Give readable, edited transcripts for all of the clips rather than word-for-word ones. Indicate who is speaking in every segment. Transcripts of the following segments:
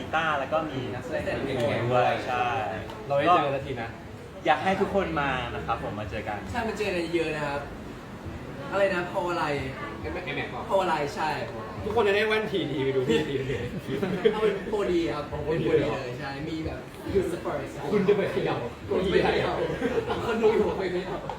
Speaker 1: ตาร์แล้วก็มีนักแสดงอื่นๆด้วยใช่
Speaker 2: เราได้เจอกันสักทีนะ
Speaker 1: อยากให้ทุกคนมานะครับผมมาเจอกัน
Speaker 3: ใช่มันเจอกันเยอะนะครับ อะไรนะพออะไร
Speaker 2: เอ็มแม็ก
Speaker 3: พออะไรใช่
Speaker 2: ทุกคนจะได้แว่นทีดีไปดูพี่ทีเลย
Speaker 3: เอาเป็นโพดีครับเป็นโพดีเลยใช่มีแบบยูสปอร์ต
Speaker 2: คุณจะไปเขย่า
Speaker 3: คนไม่ได้เอาคนดูอยู่ไม่ได้เอา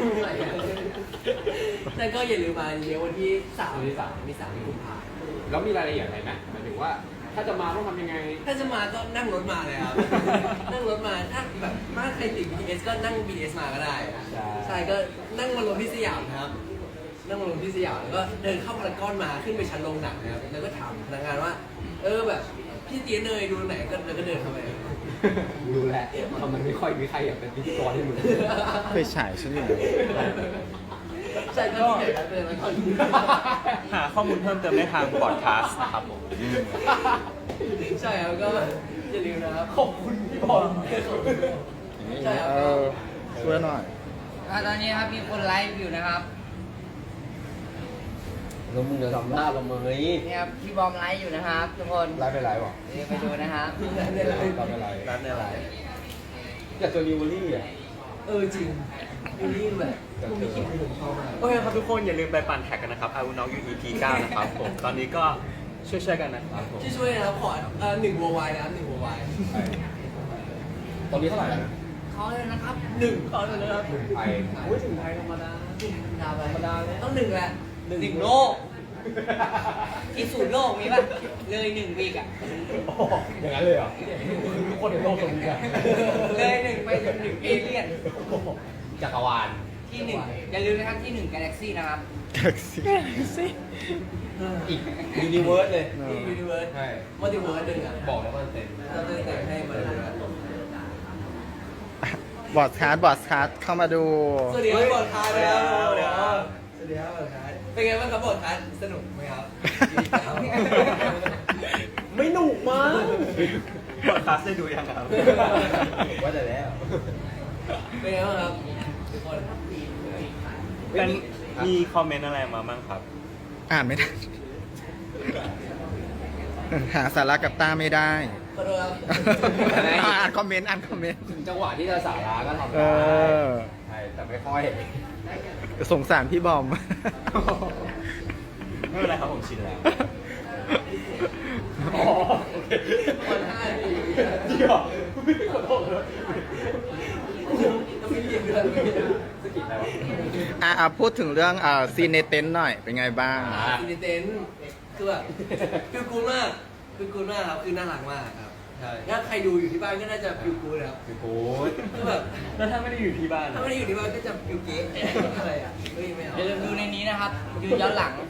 Speaker 3: แต่ก็อย่าลืมมาเยอะวันที่3มี3กุมภาพันธ์
Speaker 2: แล้วมีรายละเอียดอะไรไหมหมายถึงว่า ถ้าจะมาต้องทำยังไง
Speaker 3: ถ้าจะมาก็นั่งรถมาเลยครับ นั่งรถมาถ้าแบบถ้าใครติด BTS ก็นั่ง BTS มาก็ได้ ใช่ก็นั่งมาลงที่สยามนะครับ นั่งมาลงที่สยามแล้วก็เดินเข้าพารากอนมาขึ้นไปชั้นโรงหนังนะครับแล้วก็ถามพนักงานว่า แบบพี่เตี้ยเนยดูไหนก็แล้วก็เดินเข้าไป
Speaker 2: ดูแลทำไมไม่ค่อยมีใครอยากเป็นพิธีกรให้มึง
Speaker 4: ไปฉายฉันอยู่
Speaker 3: ใช่ก็ที่ไหนก็เดินแล้วก็
Speaker 1: หาข้อมูลเพิ่มเติมได้ทางบอดคาสต์นะครับผม
Speaker 3: ใช่ครับก็อย่าลืมนะครับขอบคุณพี่บอลใช่ครับ
Speaker 4: ช่วยหน่อย
Speaker 5: ตอนนี้ครับมีคนไลฟ์อยู่นะครับ
Speaker 2: แล้วมึงจะทำหน้าละเมย
Speaker 5: นี่ครับพี่บอมไลฟ์อยู่นะครับทุกคน
Speaker 2: ไลฟ์ไปไลฟ์วะ
Speaker 5: เดี๋ยวไปดูนะครับ
Speaker 2: ไลฟ์ไปไลฟ์
Speaker 1: ร้านในไลน์
Speaker 2: อยากเจอนิวเวอรี่อ่ะ
Speaker 3: จริงยูนี่แบบพวกนี้คิดผมชอบมาก
Speaker 1: โอเคครับทุกคนอย่าลืมไปปั่นแท็กกันนะครับ I will knock you EP 9นะครับผมตอนนี้ก็ช่วยๆกันนะครับผม
Speaker 3: ช่วยนะครับขอ1 worldwide นะครับ1 worldwide
Speaker 2: ตอนนี้เท่าไหร่แล้วนะ
Speaker 5: เขาเลยนะครับ
Speaker 3: 1ขอเลยนะครับ
Speaker 2: ไทยอุ้ยถึงไทยธรรมดา
Speaker 3: ธรรมดาเลยต้อง1แหละ
Speaker 5: 1 โลกที่ศูนย์โลกมีป่ะ เลย1 วีกอะ
Speaker 2: อย่างนั้นเลยเหรอทุกคนในโลกตรงนี้กัน
Speaker 5: เลย1ไปถึง1 เอเลี่ยน
Speaker 2: จักรวาล
Speaker 5: ที่ 1 อย่าลืมนะครับที่ 1 Galaxy นะครับ
Speaker 2: อีกยูนิเวิร์สเลย
Speaker 3: ที่ universe
Speaker 2: ใช่
Speaker 3: multiverse 1อ่ะ
Speaker 2: บอกแล้วว่าเต็ม
Speaker 3: เราจะแต่งให้มัน
Speaker 4: บอสคาร์ดเข้ามาดู
Speaker 3: สวัสดีครับบอดคาร์นะครับสวัสดีครับบอดคาร์เป็นไงบ้างครับบอดคาร์สนุกไหมครับ
Speaker 2: ไม่หนุกมั้ง
Speaker 1: บอดคาสต์ได้ดูยังครับ
Speaker 2: ว่าแต่แล้ว
Speaker 3: เป็นไงบ้างครับทุกคน
Speaker 1: เป็นมีคอมเมนต์อะไรมาบ้างครับ
Speaker 4: อ่านไม่ได้ หาสาระกับตาไม่ได้
Speaker 3: ขอโทษครับ
Speaker 4: อ่านคอมเมนต์
Speaker 2: ถึงจังหวะที่จะสาระก็ทำ
Speaker 4: เอ
Speaker 2: ได้
Speaker 4: อ
Speaker 2: ใช่แต่ไม่ค่อย
Speaker 4: สงสารพี่บอม
Speaker 1: ไม่เป็นไรครับผมชินแล้ว
Speaker 2: อ๋อโอเค
Speaker 3: คน5 นาที
Speaker 2: จริงเหรอไม่ขอโทษเลย
Speaker 3: ต้องไม่เรียนด้วย
Speaker 2: สกิดอะไรวะ
Speaker 4: พูดถึงเรื่องซีนในเต็นท์หน่อย เป็นไงบ้าง
Speaker 3: อินดิเทนคือแบบคือกูมากครับคือน่ารักมากครับใช่ถ้าใครดูอยู่ที่บ้านก็น่าจะฟิลกูนะครับ
Speaker 2: คือกูด
Speaker 3: คือแบบ
Speaker 1: แล้วถ้าไม่ได้อยู่ที่บ้าน
Speaker 3: ถ้าไม่ได้อยู่ที่บ้านก็จะฟิลเก๊อะไรอ่ะไม่เอา
Speaker 5: อย่าลืมดูในนี้นะครับยืนย้อนหลัง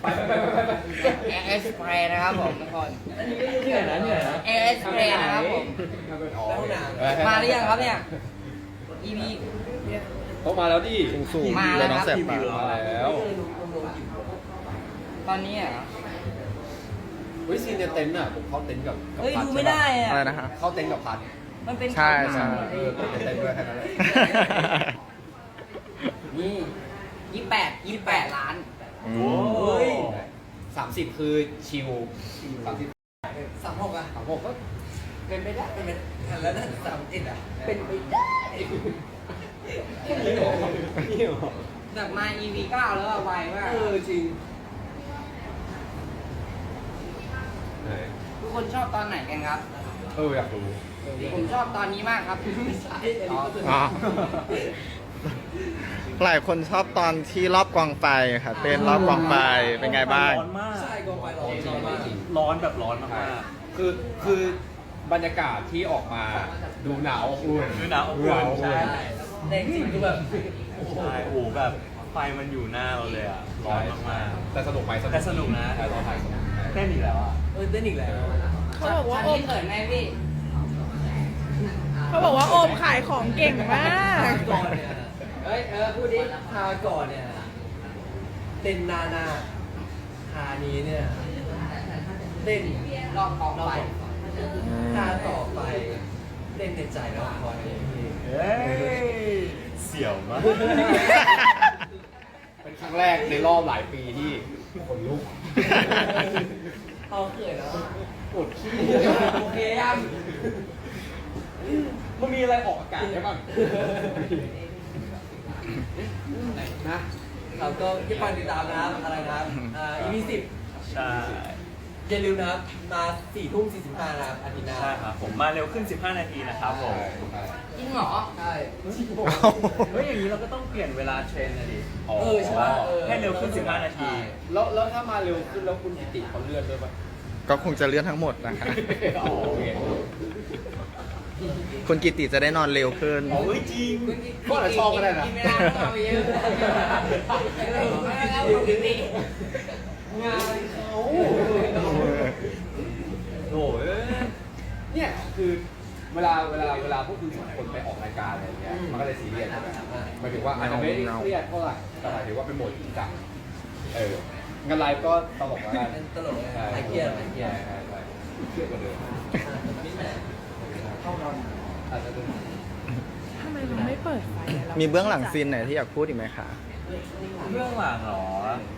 Speaker 5: AS Play นะครับผมทุกคน
Speaker 3: อันนี้ก็อยู่ที่ไหนนะ
Speaker 5: AS Play นะครับผม
Speaker 3: แล้วห้องน้ำ
Speaker 5: มาหรือยังครับเนี่ย EP
Speaker 2: เขามาแล้วดิ
Speaker 4: สูง
Speaker 5: มา
Speaker 4: ๆ
Speaker 5: แล้
Speaker 4: เล
Speaker 5: วย
Speaker 4: น้อง
Speaker 5: ครับ
Speaker 4: แสบปาก
Speaker 2: มาแล้ว
Speaker 5: ตอนนี้เหรอ
Speaker 2: เฮ้ยซีนในเต็นท์อ่ะผมเข้าเต็นท์กับ
Speaker 5: เฮ้ย
Speaker 2: พั
Speaker 5: ดูไม่ได้อะ
Speaker 4: อะไรนะฮะ
Speaker 2: เข้าเต็นท์กับพัด
Speaker 5: มันเป็น
Speaker 4: ใช่ใช่
Speaker 2: เออเต็นท์ในเต็นท์ด้วยแค่นั้นแหละ
Speaker 5: นี่28 ล้าน
Speaker 4: อืม
Speaker 1: โอ้ย
Speaker 2: 30คือชิล30
Speaker 3: 36อ่ะ
Speaker 2: 36ก็
Speaker 3: เป็นไปได้แล้วถ้า31อ่ะเป็นไปได้
Speaker 2: นี่เหรอนี่เหรอ
Speaker 5: จากมา EP 9 แล้วอะไวมาก
Speaker 3: จริง
Speaker 2: ไหน
Speaker 5: ทุกคนชอบตอนไหนกันครับ
Speaker 2: อยากรู้
Speaker 5: ผมชอบตอนนี้มากครับ
Speaker 4: อ๋อ หลายคนชอบตอนที่รอบกองไฟค่ะ เต้นรอบกองไฟ เป็นไงบ้าง
Speaker 1: ร้อนมาก
Speaker 3: ใช่กองไฟร้อนจริงมาก
Speaker 1: ร้อนแบบร้อนมาก
Speaker 2: คือบรรยากาศที่ออกมาดูหนาวอบอุ่น
Speaker 1: ๆคือหนาวอบอุ่นใช่
Speaker 3: แต่จริงคือแบบ
Speaker 1: ใช่โอ้โหแบบไฟมันอยู่หน้าเราเลยอ่ะ ร้อนมาก
Speaker 2: แต่สนุกไหม
Speaker 1: แต่สนุกนะ
Speaker 2: แต่ตอนถ่ายสนุก
Speaker 1: ๆเต้นอีกแล้วอ่ะ
Speaker 3: เต้นอีกแล้ว
Speaker 6: เขาบอกว่าโอม
Speaker 5: เขินไหมพี่
Speaker 6: เขาบอกว่าโอมขายของเก่งมาก
Speaker 3: ก่อนเนี่ย
Speaker 5: เฮ้ย พูดดิ
Speaker 3: ทาก่อนเนี่ยเต้นหน้าทานี้เนี่ยเต้น
Speaker 5: รอบกองไฟ
Speaker 3: ทาต่อไปเต้นในใจแล้วพอเนี่ยพี่
Speaker 1: เฮ้ย เสี่ยวมาก
Speaker 2: เป็นครั้งแรกในรอบหลายปีที่คนลุก
Speaker 3: เอาเขินแล้ว
Speaker 2: ปวดขี้
Speaker 3: โอเคยัง
Speaker 2: มันมีอะไรออกอากาศได้บ้างนะ
Speaker 3: เราก็ที่ฟังติดตามนะครับอะไรนะครับEP 10
Speaker 1: ใช่
Speaker 3: อย่าลืมนะครับ มา4 ทุ่ม 45นะครับอาทิตย์หน้า
Speaker 1: ใช่ครับผมมาเร็วขึ้น 15 นาทีนะครับผม
Speaker 5: จริงเหรอ
Speaker 3: ใช่
Speaker 1: เฮ้ยอย่างนี้เราก็ต้องเปลี่ยนเวลาเทรนนะดิ
Speaker 3: ใช่ปะ
Speaker 1: ให้เร็วขึ้น 15 นาที
Speaker 2: แล้วถ้ามาเร็วขึ้นแล้วคุณกิติเขาเลื่อนด้วยปะ
Speaker 4: ก็คงจะเลื่อนทั้งหมดนะคะ
Speaker 2: อ๋อโอเค
Speaker 4: คุณกิติจะได้นอนเร็วขึ้น
Speaker 1: อ๋อเฮ้ยจริง
Speaker 2: ก็อาจจะชอบก็ได้นะ
Speaker 5: กินไม่ได้ต้องเอาไปเยอะไม่ได้เอาปกติ
Speaker 3: งานเขา
Speaker 1: โอ้ย
Speaker 2: เนี่ยคือเวลาพวกคุณสองคนไปออกรายการอะไรอย่างเงี้ยมันก็เลยซีเรียสใช่ไหมหมายถึงว่าอาจจะไม่ได้เครียดเท่าไหร่แต่หมายถึงว่าเป็นโหมดจริงจังงานไลฟ์ก็ตลกแล้วกัน
Speaker 3: เป็นตลกเลย
Speaker 2: ใช่
Speaker 3: ไอเกียร์ไอเกียร์
Speaker 2: ใช่เครียดกว่าเดิมอาจจะเป็น
Speaker 6: ทำไมเราไม่เปิดไฟอะรา
Speaker 4: มีเบื้องหลังซีนไหนที่อยากพูดอีกไหมคะ
Speaker 1: เรื่องหลังเหรอ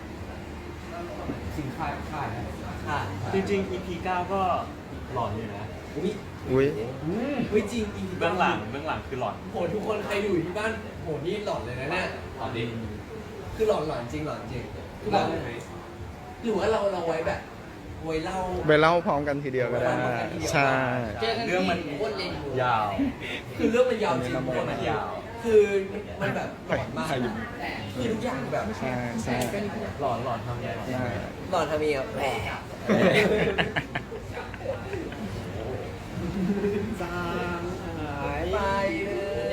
Speaker 2: สิ่งค่ายนะ
Speaker 3: ค่ะ
Speaker 1: จริงๆ EP 9 ก็หลอนอยู่นะ
Speaker 3: อุ้ย
Speaker 4: อุ้ย
Speaker 3: อุ้ยจริง
Speaker 1: เบื้องหลังคือหลอน
Speaker 3: โหทุกคนใครอยู่ที่บ้านโหนี่หลอนเลยนะเนี่ย
Speaker 2: ตอนนี้
Speaker 3: คือหลอนจริงหลอนจริงคือแบบหรือว่าเราไว้แบบไว้เล่า
Speaker 4: ไปเล่าพร้อมกันทีเดียวก็ได้ ใช่
Speaker 5: เจอกัน
Speaker 1: เรื่องมัน
Speaker 5: ที่โคตรเล่นอยู่
Speaker 1: ยาว
Speaker 3: คือเรื่องมันยาวจริง
Speaker 1: เรื่องมันยาว
Speaker 3: คือมันแบบหลอนมากคือทุกอย่างแบบ
Speaker 4: ใช่ใช่
Speaker 1: หลอนทำไง
Speaker 4: ใช่
Speaker 3: หลอนทำเองอะแหม
Speaker 2: จางหาย
Speaker 3: ไปเลย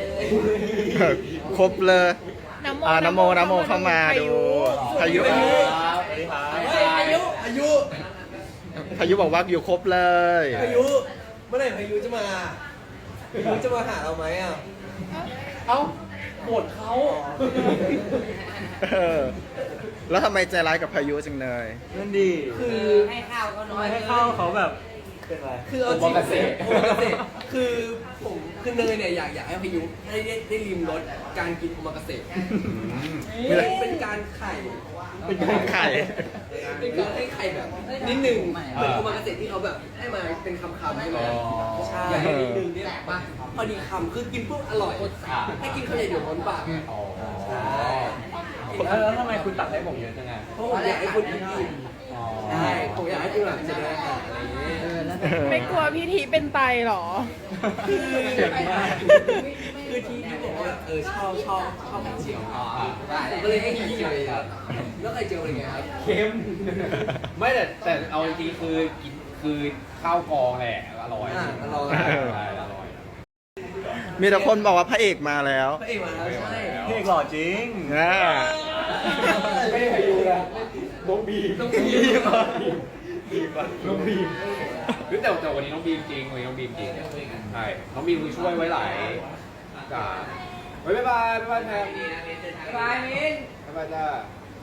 Speaker 4: ครบเลย
Speaker 6: น้ำโม
Speaker 4: น้ำโมเข้ามาดูพายุ
Speaker 1: สวัสดีครับ
Speaker 3: เฮ้ยอายุ
Speaker 4: พายุบอกว่าอยู่ครบเลย
Speaker 3: เมื่อไหร่พายุจะมาหาเราไหมอ่ะ
Speaker 2: เอ้าโหดเขา
Speaker 4: เออแล้วทำไมใจร้ายกับพายุจังเลย
Speaker 1: นั่นดี
Speaker 5: คือให้ข้าวก็น้อย
Speaker 1: ให้เข้าเขาแบบเป็นไร
Speaker 3: คือเอาจริงโอมากาเสะคือผมคือเนยเนี่ยอยากให้พายุได้ริมรสการกินโอมากาเสะเป็นการไข่
Speaker 4: เป็นการไข่
Speaker 3: เป็นการให้ไข่แบบนิดหนึ่งเหมือนโอมากาเสะที่เขาแบบให้มาเป็นคำๆใช่ไหมใช่นิดนึงเนี่ยป่ะพอดีคำคือกินปุ๊บอร่อยถ้ากินข้าวใหญ่เดี๋ยวร้อนปากใช่
Speaker 1: แล้วทำไมคุณตัดให้ผมเยอะจังไง
Speaker 3: เพราะผมอยากให้คนอิ่มใช่ผมอยากให้คุณแบบจะได้อาหารอะไรอย่างเงี้ย
Speaker 6: ไม่กลัวพี่ทีเป็นไตเหรอ
Speaker 1: เจ๋งมาก
Speaker 3: คือที่บอกว่าชอบไข่เจียวผมก็เลยให้กินเจียวเลยครับแล้วไข่เจียวเป็นไงครับ
Speaker 2: เค็มไม่แต่เอาจริงๆคือข้าวกองแหละอร่อย
Speaker 3: อร่อย
Speaker 2: ใช่อร่อย
Speaker 4: มีแต่คนบอกว่าพระเอกมาแล้ว
Speaker 3: พระเอกมาแล้วใช่
Speaker 1: พี่เอกหล่อจริง
Speaker 4: นะ
Speaker 2: ไม่ได้พายุนะน้องบีม
Speaker 3: ต้องมี
Speaker 2: น้องบีมหรือแต่วันนี้น้องบีมจริงวันนี้น้องบีมจริงใช่น้องบีมคือช่วยไว้หลายบ๊ายบายแทน
Speaker 5: บายมิน
Speaker 2: บ๊ายบายจ้า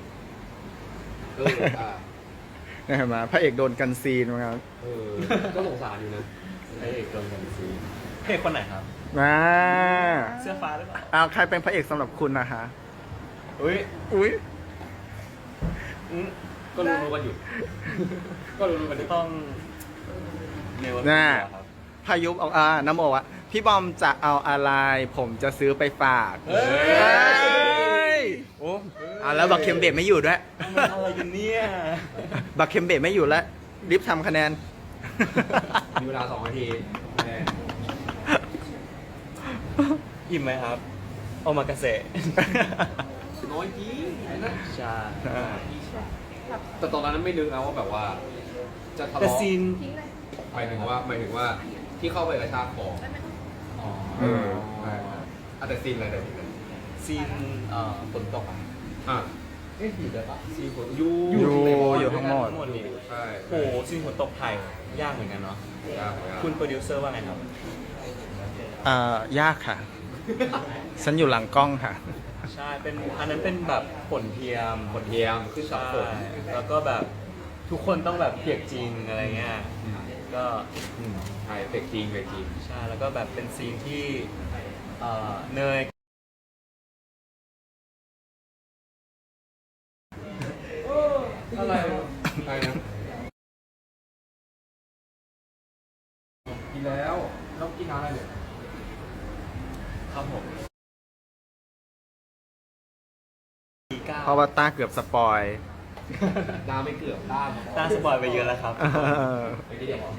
Speaker 4: เนี่ยเห็นไหมพระเอกโดนกันซีนมาครับ
Speaker 2: ก็สงสารอยู่นะ
Speaker 1: พระเอกโดนกันซีพระเอกคนไหนครับ
Speaker 4: มา
Speaker 1: เสื้อฟ้าหรือเปล่า
Speaker 4: เอาใครเป็นพระเอกสำหรับคุณนะคะ
Speaker 1: อุ้ย
Speaker 4: อุ้ย
Speaker 2: ก็รู้กันอยู่ก็รู้กันอยู่
Speaker 1: ต้องเนว
Speaker 4: น่า
Speaker 1: ครับ
Speaker 4: พายุบอกน้ำโมอะพี่บอมจะเอาอะไร ผมจะซื้อไปฝาก
Speaker 1: เฮ้ย
Speaker 4: โอ้แล้วบักเคมเบดไม่อยู่ด้วย
Speaker 1: มันอะไรกันเนี่ย
Speaker 4: บักเคมเบดไม่อยู่แล้วรีบทำคะแนน
Speaker 2: มีเวลา2 นาที
Speaker 1: อิ่มไหมครับ โอมากาเสะ
Speaker 2: น้อยจริงนะ
Speaker 1: ใช่
Speaker 2: แต่ตอนนั้นไม่นึกนะว่าแบบว่า จะทะ
Speaker 1: แต่
Speaker 2: เลาะ
Speaker 1: ซีน
Speaker 2: หมายถึงว่าที่เข้าไปกระชากคอ
Speaker 1: อ๋อ
Speaker 2: แต่ซีนอะไรแต่ซีนอะไร
Speaker 1: ซีนฝนตกอะ
Speaker 2: อยู่ได้ปะซีนฝน
Speaker 4: อยู่ทั้งหมด
Speaker 1: ทั้งหมดนี่
Speaker 2: ใช่
Speaker 1: โอ้โหซีนฝนตกไทยยากเหมือนกันเนาะ คุณโปรดิวเซอร์ว่าไงครับ
Speaker 4: ยากค่ะ ฉันอยู่หลังกล้องค่ะ
Speaker 1: ใช่ อันนั้นเป็นแบบฝนเทียม
Speaker 2: ฝนเทียมขึ้นกับ
Speaker 1: ใช่
Speaker 2: ฝน
Speaker 1: แล้วก็แบบทุกคนต้องแบบเปียกจริงอะไรเงี้ย ก็
Speaker 2: ใช่เฟกจริง
Speaker 1: ใช่ แล้วก็แบบเป็นซีนที่เนย
Speaker 2: อะไรนะกินแล้วแล้วกินน้ำอะไรเนี่ย
Speaker 1: ครับผม
Speaker 4: เพราะว่าต้าเกือบสปอย
Speaker 2: น้ำไม่เกือบด้าน
Speaker 1: ต้าสปอยไปเยอะแล้วครับ
Speaker 2: ไม่ได้เดี๋ยว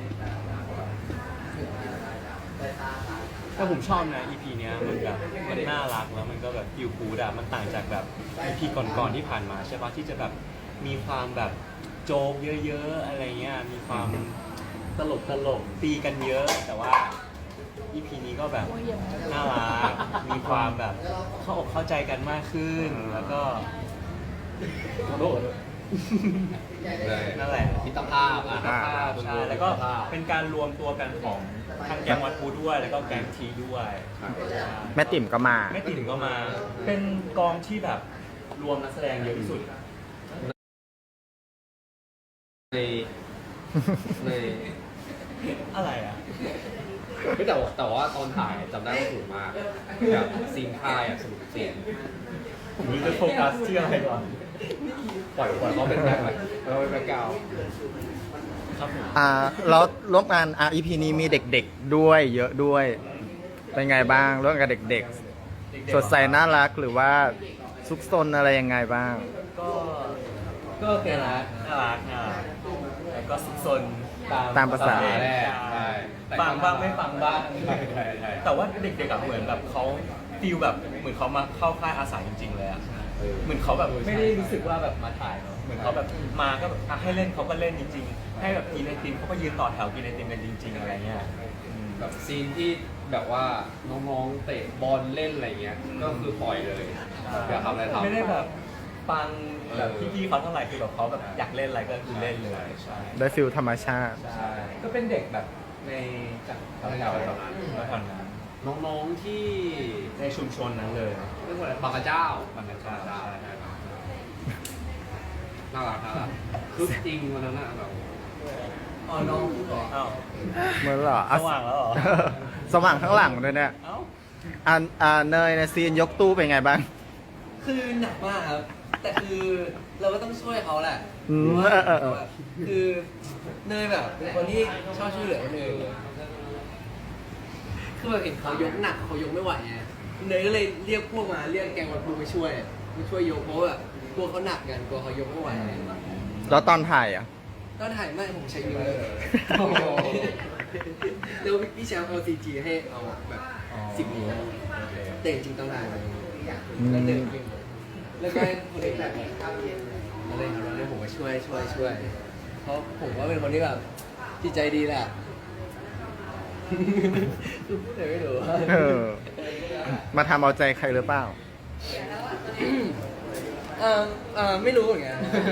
Speaker 1: แต่ผมชอบนะ EP เนี้ยมันแบบมันน่ารักแล้วมันก็แบบฟิลกูดอะมันต่างจากแบบ EP ก่อนๆที่ผ่านมาใช่ปะที่จะแบบมีความแบบโจ๊กเยอะๆอะไรเงี้ยมีความตลกตีกันเยอะ แต่ว่า EP นี้ก็แบบน่ารักมีความแบบเข้าอกเข้าใจกันมากขึ้นแล้วก็
Speaker 2: ขอโทษ
Speaker 1: นั่นแหละ
Speaker 2: มิตรภาพ
Speaker 1: ใช่แล้วก็เป็นการรวมตัวกันของทางแก๊งวัดพูด้วยแล้วก็แก๊งทีด้วย
Speaker 4: แม่ติ่มก็มา
Speaker 1: แม่ติ่มก็มา เป็นกองที่แบบรวมนักแสดงเยอะที่สุด
Speaker 2: ใน
Speaker 1: อะไรอ่ะ
Speaker 2: ไม่แต่ว่าตอนถ่ายจำได้ว่าสนุกมากแบบซีนค่ายอ่ะสนุกซีน
Speaker 1: ผมรู้จะโฟกัสที่อะไรก่อน
Speaker 2: ปล่อยเขาเป็นแบ็คเลยเราเป็นแบ็คกราวด์
Speaker 1: ครับผม
Speaker 4: แล้วร่วมงาน EP นี้มีเด็กๆด้วยเยอะด้วย เป็นไงบ้างร่วมกับเด็กๆ สดใสน่ารักหรือว่าซุกซนอะไรยังไงบ้าง
Speaker 1: ก็น่ารักแล้วก็ซุกซน
Speaker 4: ตามภาษา
Speaker 2: แรกใช่
Speaker 1: ฟังบ้างไม่ฟังบ้าง
Speaker 2: ใช่
Speaker 1: แต่ว่าเด็กๆอะเหมือนแบบเขาฟีลแบบเหมือนเขามาเข้าค่ายอาสาจริงๆเลยอะเหมือนเขาแบบไม่ได้รู้สึกว่าแบบมาถ่ายเนาะเหมือนเขาแบบมาก็แบบอ่ะให้เล่นเขาก็เล่นจริงๆ ให้แบบกินไอติมเขาก็ยืนต่อแถวกินไอติมกันจริง ๆอะไรเงี้ย
Speaker 2: แบบซีนที่แบบว่าน้องๆเตะบอลเล่นอะไรเงี้ยก็คือปล่อยเลยอยากทำอะไรทำ
Speaker 1: ไม่ได้แบบฟังแบบพี่ๆเขาเท่าไหร่คือแบบเขาแบบอยากเล่นอะไรก็คือเล่นเลยใช่
Speaker 4: ได้ฟิลธรรมชาติ
Speaker 1: ใช่ก็เป็นเด็กแบบในจากแถวๆนั้น
Speaker 2: น้องๆที่
Speaker 1: ในชุมชนนั้นเลย
Speaker 2: เรียกว่าอะไรบางกระเจ้า
Speaker 1: บางกระเจ้าใช่
Speaker 2: น่ารักคือจริงวันนั้นอะแบบ
Speaker 3: อ๋อน้องพูดเหรอ
Speaker 1: อ้าว
Speaker 4: เหมือนเหรอ
Speaker 1: สว่างแล้วเหรอ
Speaker 4: สว่างข้างหลังด้วยเนี่ย
Speaker 1: เอ้า
Speaker 4: เนยในซีนยกตู้เป็นไงบ้าง
Speaker 3: คือหนักมากครับ แต่คือเราก็ต้องช่วยเขาแหละ
Speaker 4: อืม
Speaker 3: เพราะว่า
Speaker 4: เออ
Speaker 3: คือเนยแบบเป็นคนที่ชอบช่วยเหลือคนอื่นคือแบบเห็นเขายกหนักเขายกไม่ไหวไงเนยก็เลยเรียกพวกมาเรียกแกงวันพูมาช่วยยกเพราะว่าแบบกลัวเขาหนักกันกลัวเขายกไม่ไหว
Speaker 4: แล้วตอนถ่ายอ่ะ
Speaker 3: ก็ถ่ายไม่ผมใช้นิ้วเลยแล้วพี่แชมป์เอา CG ให้เอาแบบ10 นิ้วแต่จริงๆต้องถ่ายแบบนี้แล้วเดินจริงแล้วก็ให้คนอื่นแบบอะไรครับแล้วผมก็ช่วยเพราะผมว่าเป็นคนที่แบบจิตใจดีแหละคือพูดอะไรไม่รู้
Speaker 4: เออ มาทำเอาใจใครหรือเปล่า
Speaker 3: ไม่รู้เหมือนกัน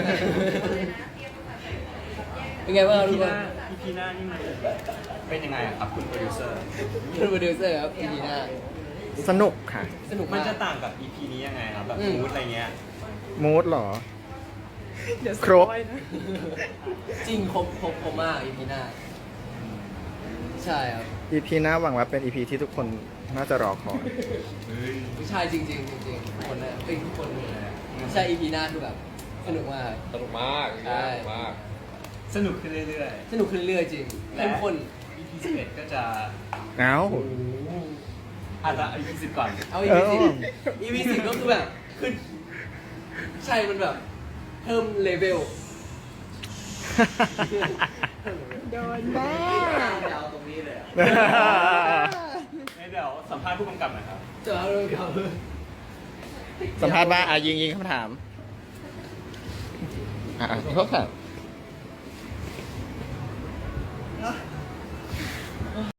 Speaker 3: เป็นไงบ้างทุกคน
Speaker 1: EP หน้านี่มันเป็นยังไงอะครับคุณโปรดิวเซอร์
Speaker 3: คุณโปรดิวเซอร์ครับ EP หน้า
Speaker 4: สนุกค่ะ
Speaker 3: สนุก
Speaker 1: มัน
Speaker 3: มาก
Speaker 1: จะต่างกับ EP นี้ยังไงครับแบบมูดอะไรเงี้ย
Speaker 4: มูดเหรอ
Speaker 6: เดี๋ยว
Speaker 4: ครบ
Speaker 6: สปอยนะ
Speaker 3: จริงครบมาก EP หน้าใช่ครับ
Speaker 4: EP หน้าหวังว่าเป็น EP ที่ทุกคนน่าจะรอคอย
Speaker 3: ใช่จริงทุกคนนะทุกคนใช่ EP หน้าคือแบบสนุกมาก
Speaker 2: สนุกมาก
Speaker 3: ใช่
Speaker 2: มาก
Speaker 1: สนุกขึ้นเรื่อย
Speaker 3: สนุกขึ้นเรื่อยๆจริง
Speaker 1: ๆ
Speaker 3: เข้มข้น
Speaker 1: EP 11ก็จะ
Speaker 4: เอ้า
Speaker 1: อาจจะ EP 10ก่อน
Speaker 3: เอา EP 10 EP 10ก็คือแบบขึ้นใช่มันแบบเพิ่มเลเวล
Speaker 6: โดนแม่
Speaker 3: ยาวตรงนี้เลยอะ
Speaker 1: เดี๋ยวสัมภาษณ์ผู้กำกับหนะครับ
Speaker 3: จะเอาเรื่องเขา
Speaker 4: สัมภาษณ์ว่ายิงคำถามเขาถาม